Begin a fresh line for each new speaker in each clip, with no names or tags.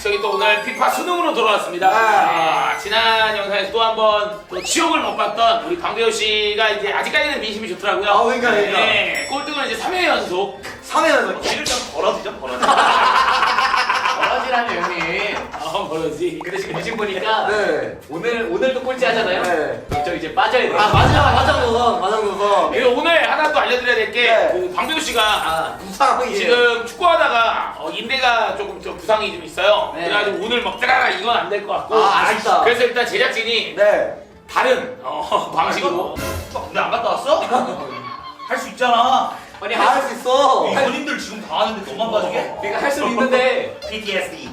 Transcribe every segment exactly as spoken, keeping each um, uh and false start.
저희 또 오늘 피파 수능으로 돌아왔습니다. 아, 지난 영상에서 또 한번 또 지옥을 못 봤던 우리 방대호 씨가 이제 아직까지는 민심이 좋더라고요.
아, 그러니까, 그러니까.
네, 꼴등은 이제 삼 회 연속.
삼 회 연속.
길을 좀 벌어지죠, 벌어지.
버러지라는 형님.
아, 뭐지?
근데 지금 미신 보니까
네.
오늘 오늘도 꼴찌 하잖아요.
네.
저 이제 빠져야 돼요.
아, 맞아, 맞아, 노선, 맞아, 노선.
그리고 오늘 하나 또 알려드려야 될 게
네.
그 방대호 씨가
아, 부상이에요.
지금 축구하다가 어, 인대가 조금 좀 부상이 좀 있어요.
네.
그래가지고 오늘 막 따라라 이건 안 될 것 같고.
아, 아쉽다.
그래서 일단 제작진이
네.
다른 어, 방식으로.
근데 안 갔다 왔어? 할 수 있잖아.
아니
다 할 수 있어.
이 본인들 지금 다 하는데 너만 봐주게?
내가 할 수는 있는데
피티에스디.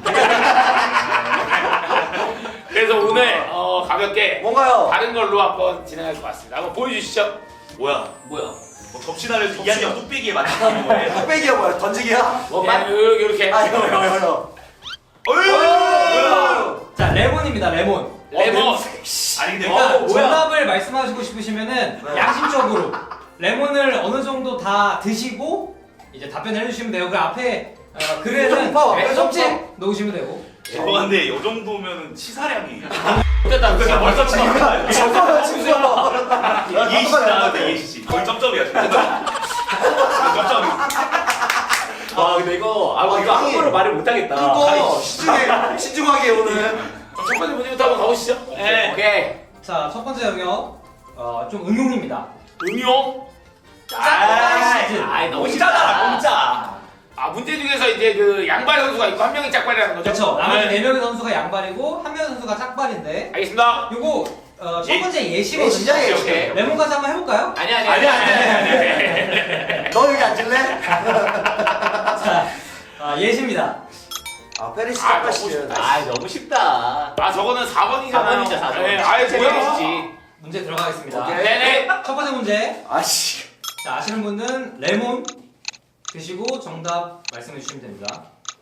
그래서 오늘 어, 가볍게
뭔가요?
다른 걸로 한번 진행할 것 같습니다. 한번 보여주시죠.
뭐야?
뭐야?
뭐 접시날에서 이한영 뚝배기에 맞추는 거예요?
뚝배기야 뭐야? 던지기야?
원만?
이렇게 이렇게.
아, 이거, 이거, 이거.
어휴! 뭐야?
자, 레몬입니다. 레몬.
레몬.
아니 근데
그러니까
어, 뭐야?
정답을 말씀하시고 싶으시면은
네.
양심적으로 레몬을 어느 정도 다 드시고 이제 답변을 해주시면 되고 그 앞에 어, 글에는
점퍼,
네,
점퍼.
점찍 넣으시면 되고.
죄송한데 이 정도면 치사량이
됐다.
그냥 벌써
잠깐만, 잠깐만.
이해시 나왔다 이해시 거의 점점이야 지금 점점
아 근데 이거 아,
아,
이거
형이-
함부로 말을 못하겠다.
이거 신중해, 신중하게 오늘.
첫 번째 문제부터 한번 가보시죠. 네.
오케이.
자, 첫 번째 영역 어, 좀 응용입니다.
응용.
아이,
아이 너무
공짜다 공짜.
아 문제 중에서 이제 그 양발 선수가 있고 한 명이 짝발이라는 거죠?
그렇죠. 나머지
네.
네 명의 선수가 양발이고 한 명의 선수가 짝발인데
알겠습니다.
요거 어, 첫
예.
번째
예시잖아,
예시거든요.
예시.
오케이.
레몬까지 한번 해볼까요?
아니 아니
아니 아니 아니.
너 여기 앉을래?
자, 아, 예시입니다.
아, 페리시
아,
짝바시요.
아 너무 쉽다.
아 저거는 사 번이잖아요.
사 번이죠, 사 번.
네, 아예 뭐야?
문제 들어가겠습니다.
오케이.
네네.
첫 번째 문제.
아씨.
자, 아시는 분은 레몬 드시고 정답 말씀해 주시면 됩니다.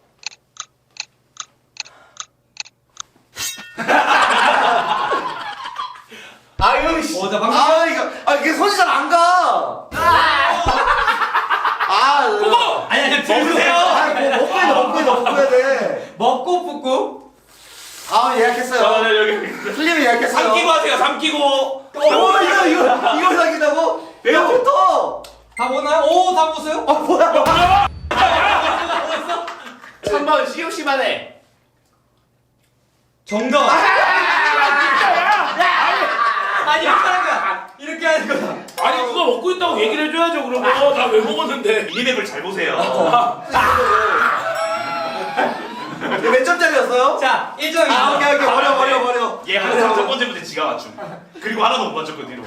아유, 씨.
어, 자, 방금
아, 이거, 아, 이게 손이 잘 안 가. 아,
그거!
아니 아니
먹으세요.
아, 뭐, 먹고 해야 돼, 먹고 해야 돼, 먹고 해야 돼.
먹고 붓고.
아, 예약했어요.
저는 여기
틀리면 예약했어요.
삼키고 하세요 삼키고.
어, 이거, 이거, 이걸 사귀다고? 내가 붙어.
다 먹었나요? 오, 다 먹었어요?
아, 뭐야.
삼 번 시우 씨만 해.
정답. 아니 이렇게 하는 거야. 이렇게 하는 거야.
아니 그거 먹고 있다고 얘기를 해줘야죠. 그러면 나 왜 먹었는데?
미니맵을 잘 보세요.
이거 몇 점짜리였어요?
자, 일 점이죠.
아, 오케이, 오케이. 버려, 버려, 버려.
얘 항상 첫 번째 문제 지가 맞춤. 그리고 하나도 못 맞췄고 뒤로.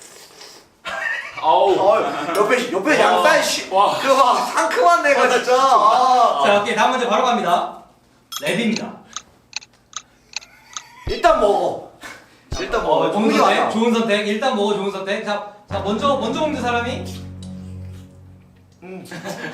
아우.
어, 옆에, 옆에 양쌀 씨.
와.
그거 막 상큼한 내가 진짜. 아.
자, 오케이. 다음 문제 바로 갑니다. 랩입니다.
일단 먹어. 일단 먹어.
좋은
동미
선택.
와요.
좋은 선택. 일단 먹어. 좋은 선택. 자, 자 먼저 먼저 먹는 사람이
음.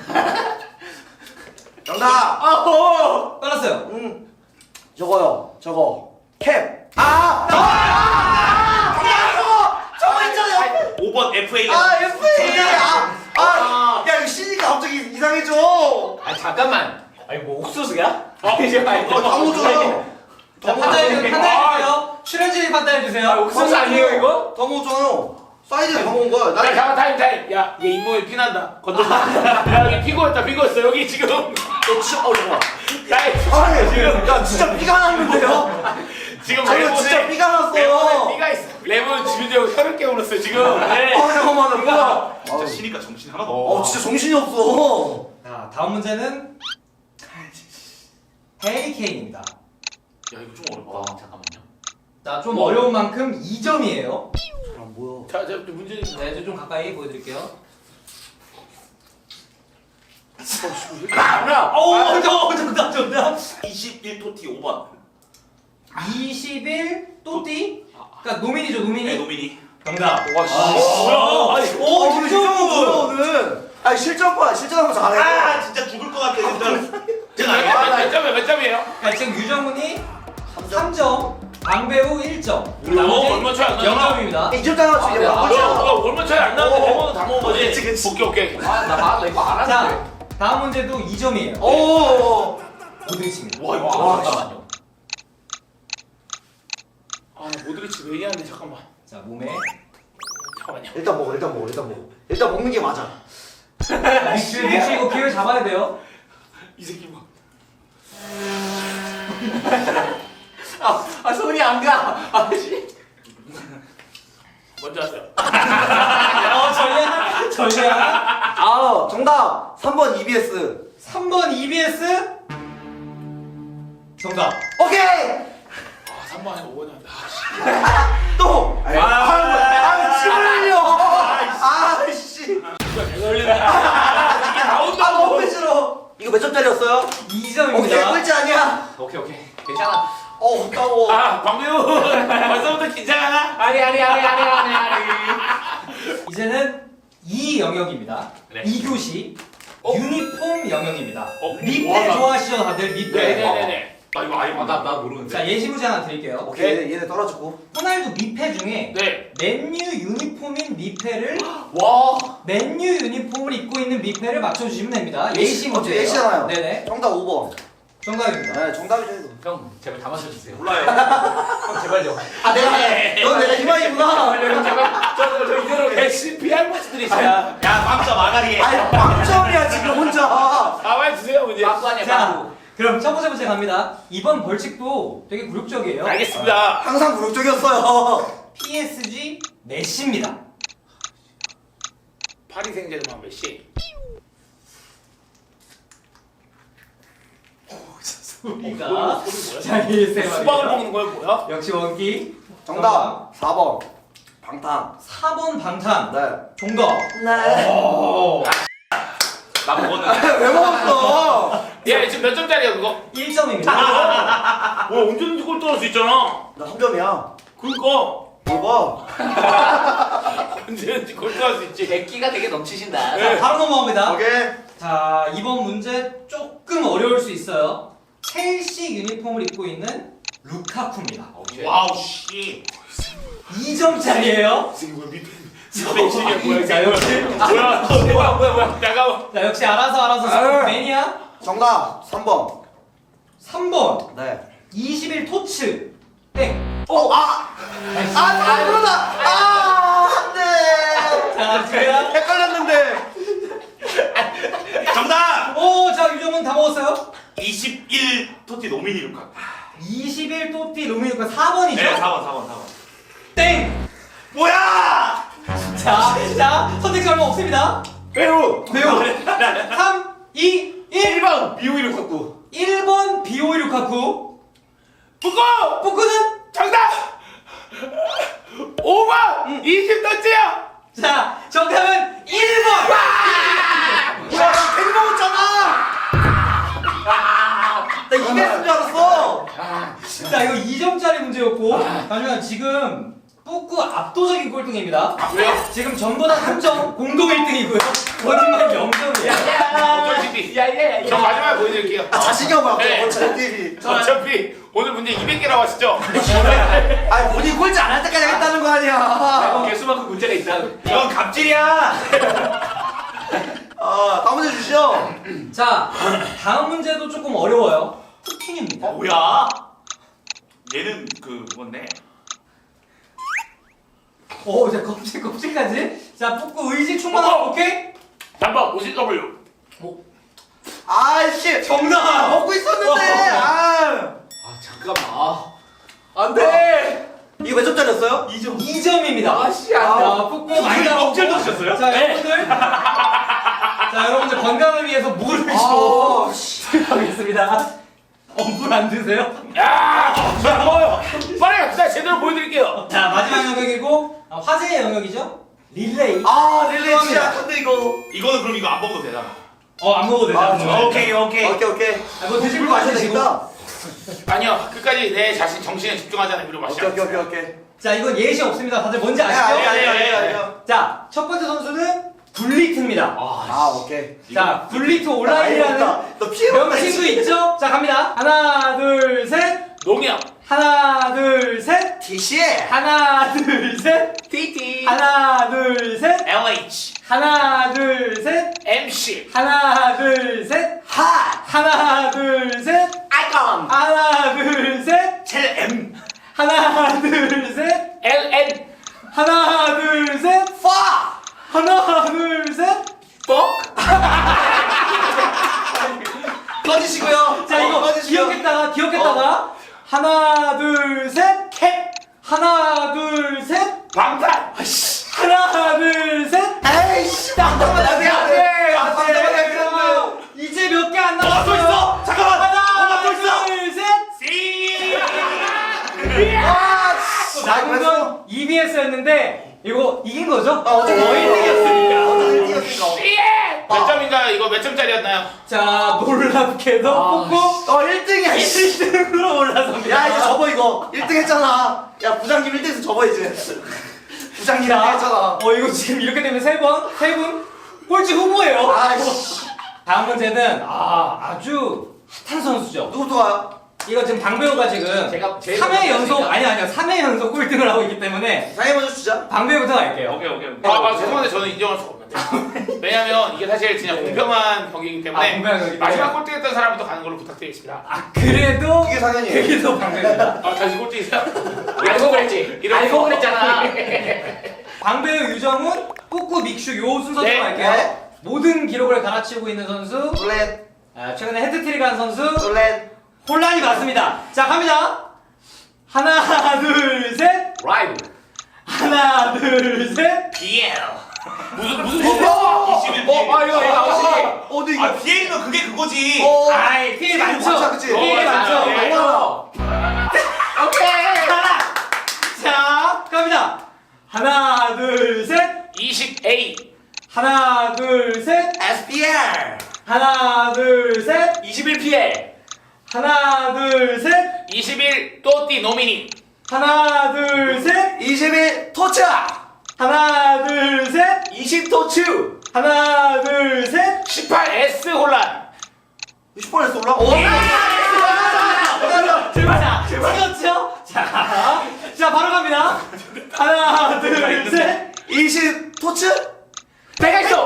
정답.
아호.
빨랐어요.
음. 저거요. 저거. 캡. 아! 아! 야, 저거! 저거 있잖아요.
오 번 에프에이.
아, 에프에이. 아! 아!
아.
야, 이거 씨니까 갑자기 이상해져.
아 잠깐만. 아니 뭐 옥수수야?
어,
이제 아니,
어, 다 묻어요.
자, 판단해 주 판단해 주세요. 출연진이 판단해 주세요.
옥수수 아니에요 이거?
다 먹었잖아요. 사이드에 다 먹은 거야.
야
나
잠깐 타임 타임. 야 얘 잇몸에 피난다. 건져. 야 여기 피고였다 피고였어. 여기 지금.
너 진짜 어 잠깐.
야 이-
아니, 지금 야 진짜 피가 났는데요?
지금
아, 이거
레몬에
진짜 피가 났어.
레몬에 피가 있어. 레몬 주변에 혀를 깨물었어 지금. 네.
아, 잠깐만. 나 뭐야?
진짜
어,
쉬니까 정신 하나도
어,
없어.
진짜 정신이 없어.
자, 다음 문제는 헤리케인입니다.
야 이거 좀 어렵다.
와 잠깐만요.
자, 좀 어려운 만큼 이 점이에요.
아, 뭐야?
자, 자 문제 좀.
네, 저좀 가까이 보여드릴게요.
아,
오, 저 정답 정답.
이십일 토티 오 번.
이십일 또띠. 그러니까 노민이죠, 노민이.
네 노미니.
정답.
와 씨.
아,
뭐야? 아니.
오, 오늘 유정은 뭐야 오늘? 아니 실전과 실전하면 잘해.
아 진짜 죽을 것 같아 진짜. 제가
몇,
알겠다.
몇, 몇 점이야 몇 점이에요?
그러니까 지금 유정훈이 삼 점, 방배우 일 점.
어, 얼마 차이 안 나잖아.
영 점입니다.
이점 따라 주게
아,
아,
바꾸자.
야, 얼마 차이 안 나는데
어.
레몬은 다 먹은 거지?
그치, 그치.
오케이 오케이.
아나 나 이거 알았는데.
자, 다음 문제도 이 점이에요.
오.
모드리치입니다.
와 이거
와,
잠깐만요. 아 모드리치 왜 얘기하는데 잠깐만.
자 몸에
잠깐만요.
일단 먹어 일단 먹어 일단 먹어. 일단 먹는 게 맞아.
믹스 믹스 이거 기회를 잡아야 돼요.
이 새끼 뭐.
아, 아 손이 안 가. 아씨.
먼저 하세요.
어 전략 전략.
아 정답 삼 번 이비에스.
삼 번 이비에스 정답.
오케이.
아 삼 번에 오 번에 한다.
또. 아, 아, 침 흘려. 아씨.
이게 나온다.
아 너무 싫어. 이거 몇 점짜리였어요?
이
오케이
점입니다.
꼴찌 아니야.
오케이 오케이. 괜찮아.
어 까워.
아 광배우 벌써부터 긴장하나?
아니 아니 아니 아니 아니 아니.
이제는 이 영역입니다.
네.
이 교시
어?
유니폼 영역입니다.
어?
미패
와, 나-
좋아하시죠 다들 미패.
네네네네. 나 이거 아예
나 나 모르는데.
자 예시문제 하나 드릴게요.
오케이 얘네 떨어졌고.
호날두 미패 중에
네.
맨유 유니폼인 미패를
와.
맨유 유니폼을 입고 있는 미패를 맞춰주시면 됩니다.
예시-
예시 문제예요.
어차피 예시잖아요.
네네.
정답 오 번.
정답입니다.
네 정답이죠 이거.
형 제발 다 맞춰주세요.
몰라요.
형 제발요.
아 내가 넌 내가 희망이구나.
저저 이대로 레시피 할머니들이 있어요.
야 빵점 아가리.
아니 빵점이야 지금 혼자.
아 빨리 주세요 문제.
빵꾸 아니야
자
빵꾸.
그럼 첫 번째 문제 갑니다. 이번 벌칙도 되게 굴욕적이에요.
알겠습니다.
항상 굴욕적이었어요.
피에스지 메시입니다.
파리 생제르맹 메시.
소리가
어, 소리 뭐야?
자 일세
수박을 먹는 거야 뭐야?
역시 원기.
정답 사 번. 방탄.
사 번 방탄.
네.
정답.
네.
오.
나 먹었는데.
왜 먹었어?
얘 지금 몇 점짜리야 그거?
일 점입니다.
와 언제든지 골 떨어질 수 있잖아.
나 삼 점이야.
그러니까
뭘 봐?
언제든지 골 떨어질 수 있지.
객기가 되게 넘치신다.
네.
바로 넘어갑니다.
오케이.
자 이번 문제 조금 어려울 수 있어요. 첼시 유니폼을 입고 있는 루카쿠입니다.
와우 씨.
이 점짜리예요.
지금 뭐야 밑에 밑에 뭐야?
자 역시
뭐야? 뭐야 뭐야 뭐야? 잠깐만.
자 역시 알아서 알아서
아유.
매니아.
정답 삼 번.
삼 번
네.
이십일 토츠 땡.
어 아. 아 아, 그러다. 아 안돼.
자 제가
헷갈렸는데.
정답.
오자 유정은 다 먹었어요.
이십일 토티 노미니 루카.
이십일 토티 루미누카 사 번이죠.
네 사 번 사 번 사 번.
땡.
뭐야?
자, 자 선택지 얼마 없습니다.
배우.
매우 삼, 이, 일.
번 비오이 루카쿠.
일 번 비오이 루카쿠.
북고
포크는
정답. 오 번 이십 던지야.
자 정답은 일 번.
야, 나 괜히 먹었잖아. 나 이겼을 줄 알았어.
자 이거 이 점짜리 문제였고 하지만 지금 뿌꾸 압도적인 꼴등입니다.
왜요?
지금 전부 다 삼 점 공동 일 등이고요. 거짓말 영 점이에요.
어쩔
야야야.
저 마지막에 보여드릴게요.
아, 자신감 없어.
네.
어차피.
어차피 오늘 문제 이백 개라고 하시죠?
아니 본인 꼴찌 안 할 때까지 하겠다는 거 아니야.
개수만큼 문제가 있다.
이건 갑질이야.
아 다음 문제 주시죠.
자 다음 문제도 조금 어려워요. 푸틴입니다.
뭐야? 얘는 그 뭔데?
오, 자 껍질 껍질까지. 자 뿌꾸 의지 충만하고 오케이.
잠깐 오십 더블유.
아씨 정답 먹고 있었는데. 아.
아 잠깐만. 아, 안 돼.
이거 몇 점짜리였어요?
이 점.
이 점입니다.
아씨 안 돼.
자 뿌꾸 많이 나오고.
껍질도 드셨어요?
자
네.
여러분들. 자 여러분들 건강을 위해서 물을 좀
아, 씨.
하겠습니다. 어, 물 안 드세요?
야, 저안 먹어요. 빨리 갑시다. 제대로 보여드릴게요.
자 마지막 영역이고 아, 화제의 영역이죠. 릴레이.
아 릴레이 진짜 약한데 이거.
이거는 그럼 이거 안 먹어도 되잖아.
어 안 먹어도 되죠.
아,
아,
오케이 오케이.
오케이 오케이.
아, 뭐 드실
물
거
마셔야
마시고.
되겠다.
아니요, 끝까지 내 자신 정신에 집중하자는 의미로
오케이
마시죠.
오케이 오케이 오케이.
자 이건 예시 없습니다. 다들 뭔지 아시죠?
아니 아니
네,
아니
네,
아니.
네.
아니.
자 첫 번째 선수는 굴리트입니다.
아 오케이.
자 굴리트
나
온라인이라는
너 피해 먹다.
명칭도 있죠? 자 갑니다. 하나 둘 셋.
농협,
하나 둘 셋.
티시.
하나 둘 셋.
티티.
하나 둘 셋.
엘에이치,
하나 둘 셋.
엠씨,
하나 둘 셋.
하.
하나 둘 셋.
드래곤.
하나 둘 셋.
첼 M.
하나 둘 셋.
엘 엔.
하나 둘 셋.
파!
하나 둘 셋.
꺼지시고요.
자 이거
어, 꺼지시고요.
기억했다가 기억했다가 하나 둘 셋. 캡. 하나 둘 셋.
방탄.
하나 둘 셋.
에이씨, 잠깐만, 나
안돼
안돼.
안돼. 이제 몇 개 안
어, 또
남았어요.
있어. 잠깐만.
하나
어, 또 있어.
둘 셋.
씨.
아, 씨. 나
방금
그랬어.
이비에스였는데 이거 이긴 거죠?
아, 어떻게
어, 일 등이었으니까.
어떻게 일 등이었으니까.
예! 몇 점인가 이거 몇 점짜리였나요?
자 놀랍게도 뽑고
어, 일 등이야, 씨.
일 등으로 올라섭니다.
야, 이제 접어, 이거. 일 등 했잖아. 야, 부장님 일 등에서 접어, 이제. 부장님 일 등
자,
했잖아.
어 이거 지금 이렇게 되면 세 번, 세 분 꼴찌 후보예요.
아이씨.
다음 문제는 아 아주 핫한 선수죠.
누구부터 가요?
이거 지금 방배우가 지금
제가 제일
삼 회
먼저
연속
했으니까.
아니 아니요 삼 회 연속 꼴등을 하고 있기 때문에
상해 먼저 주자.
방배우부터 갈게요.
오케이 오케이.
아, 아 죄송한데 저는 인정할 수가 없는데. 왜냐면 이게 사실 진짜 공평한 경기이기 때문에
아, 공평한 경기인데.
마지막 꼴등했던 사람부터 가는 걸로 부탁드리겠습니다.
아 그래도
그게 상현이에요.
그게 더 방배우입니다.
아 다시 꼴등이세요?
알고 그랬지.
이런
알고
거.
그랬잖아.
방배우 유정훈, 뿌꾸 믹슈 요 순서대로
네,
갈게요.
네.
모든 기록을 갈아치우고 있는 선수,
룰렛,
아, 최근에 헤드트릭 한 선수,
룰렛.
혼란이 맞습니다. 자 갑니다. 하나 둘 셋.
라이브.
하나 둘 셋.
비엘. 무슨 무슨
어,
이십일
어, 아 이거 이거 아웃이.
어, 근데 이거.
아 비에이는 그게 그거지.
어,
아이 피해 많죠.
많죠, 그치?
피해
어,
많죠.
맞아요. 예.
너무
오케이.
하나. 자 갑니다. 하나 둘 셋.
이십 에이.
하나 둘 셋.
에스피알.
하나 둘 셋.
이십일 피엘.
하나 둘 셋.
이십일 또띠 노미니.
하나 둘 셋.
이십일 토츠.
하나 둘 셋.
이십 토츠.
하나 둘 셋.
십팔 에스 혼란.
이십 번에서 올라? 오.
제발 찍었죠? 자, 자 바로 갑니다. 하나 둘 셋.
이십 토츠?
백알소.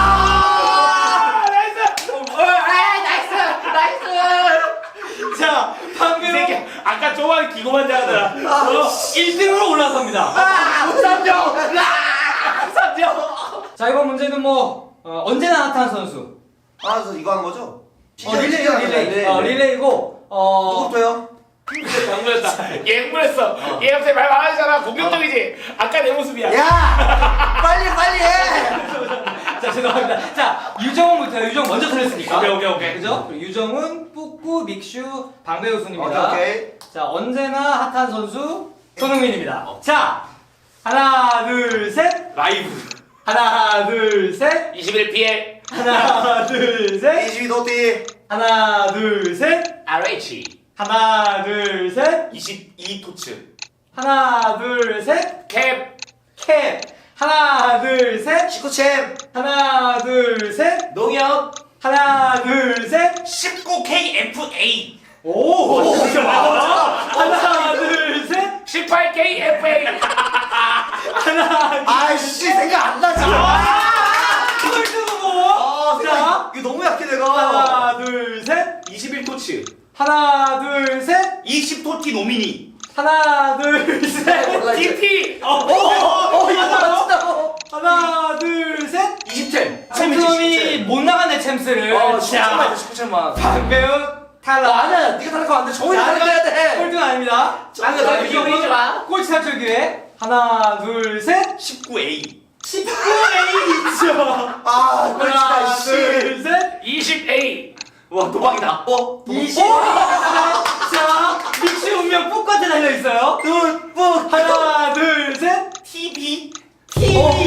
아 나이스.
나이스. 나이스.
자
이
방금
새끼 아까 저만 기고만 잘하더라.
아,
일 등으로 올라섭니다.
아, 삼점. 삼점.
자 이번 문제는 뭐 어, 언제나 핫한 선수.
아, 그래서 이거 하는 거죠?
어 릴레이 릴레이. 어 릴레이고 어
누구부터요?
정물했다. 예물했어. 얘 갑자기 말 많아지잖아. 공격적이지. 아까 내 모습이야.
야! 빨리, 빨리 해!
자 죄송합니다. 자 유정훈부터 유정 먼저 틀렸으니까.
오케이 오케이 오케이.
그죠? 그리고 유정훈, 뿌꾸, 믹슈, 방배우 순입니다.
오케이, 오케이.
자 언제나 핫한 선수 손흥민입니다. 자 하나 둘 셋.
라이브.
하나 둘 셋.
이십일 피엘.
하나 둘 셋.
이십이 도티.
하나 둘 셋.
알에이치.
하나 둘 셋.
이십이 토츠.
하나 둘 셋.
캡.
캡. 하나 둘 셋.
시코챔.
하나 둘 셋.
농협.
하나 둘 셋.
십구 케이 에프 에이.
오. 하나 둘 셋.
십팔 케이 에프 에이.
하나.
아이씨, 생각 안 나지.
이걸 뜨고
아,
자.
생각, 이거 너무 약해, 내가.
하나 둘 셋.
이십일 토츠.
하나 둘 셋.
이십 토티 노미니.
하나 둘 셋.
디티.
어,
어, 어, 이거 맞춘다고.
하나 둘 셋.
이십 템.
챔스이 못 나가네 챔스를.
어,
자,
시코챔만 시코챔만.
방배우 탈락.
아니야, 네가 탈락하면 안 돼. 정훈이 탈락해야 돼.
꼴등 아닙니다.
아니, 너 이거 보이지 마.
꼴찌 탈출 기회. 하나 둘 셋.
십구 에이.
십구 에이죠.
아, 꼴찌다,
하나
씨.
둘 셋.
이십 에이.
와 도박이다.
어,
이십. 자, 믹시 운명 똑같이 달려 있어요.
둘, 뿡.
하나 둘 셋.
티비.
티비.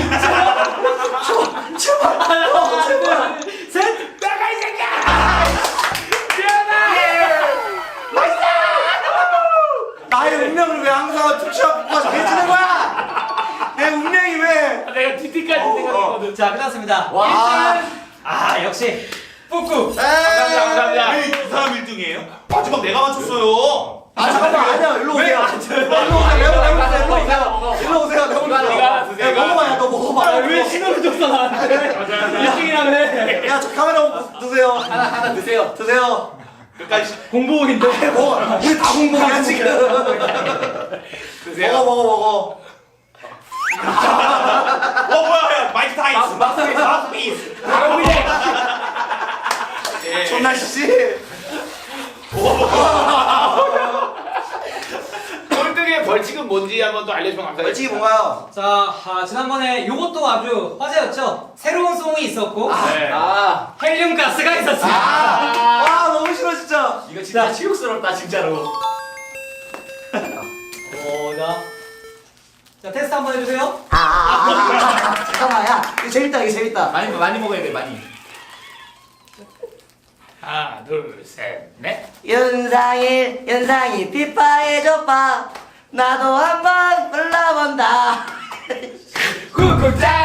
제발.
하나 둘 셋.
나가 이 새끼야. 미안해.
나의 운명을 왜 항상 투시하고 정해지는 거야? 내 운명이 왜?
내가 디티까지 생각했거든.
자, 끝났습니다.
와.
일 등. 아, 역시 뿌꾸.
감사합니다. 감사합니다.
왜 이 사람 일 등이에요? 마지막 내가 맞췄어요.
아, 잠깐만, 아니야. 일로 오세요. 일로 오세요. 일로 오세요. 일로 오세요. 일로 오세요.
이거 하나 드세요.
야, 먹어봐, 야, 너 먹어봐.
아, 왜 신호를 줬어 나한테? 일 등이라며.
야, 저 카메라 드세요.
하나 하나 드세요.
드세요.
끝까지.
공복인데.
먹어. 우리 다 공복이야 지금.
드세요.
먹어 먹어 먹어.
어 뭐야 마이크 타이스.
마스터피스 마스터피스.
예.
존나 씨.
꼴등의 벌칙은 뭔지 한번 또 알려주면 감사하겠습니다.
벌칙이 뭔가요?
자, 아, 지난번에 요것도 아주 화제였죠. 새로운 송이 있었고
네.
아
헬륨 가스가 있었어요.
아, 와 너무 싫어 진짜.
이거 진짜 치욕스럽다 진짜로.
어, 자, 자 테스트 한번 해주세요.
아, 아, 아, 아, 잠깐만 야 이거 재밌다 이거 재밌다.
많이 많이 먹어야 돼 많이.
하나, 둘, 셋, 넷.
연상일 연상이 피파해줘봐 나도 한번 불러본다.
굿굿 짜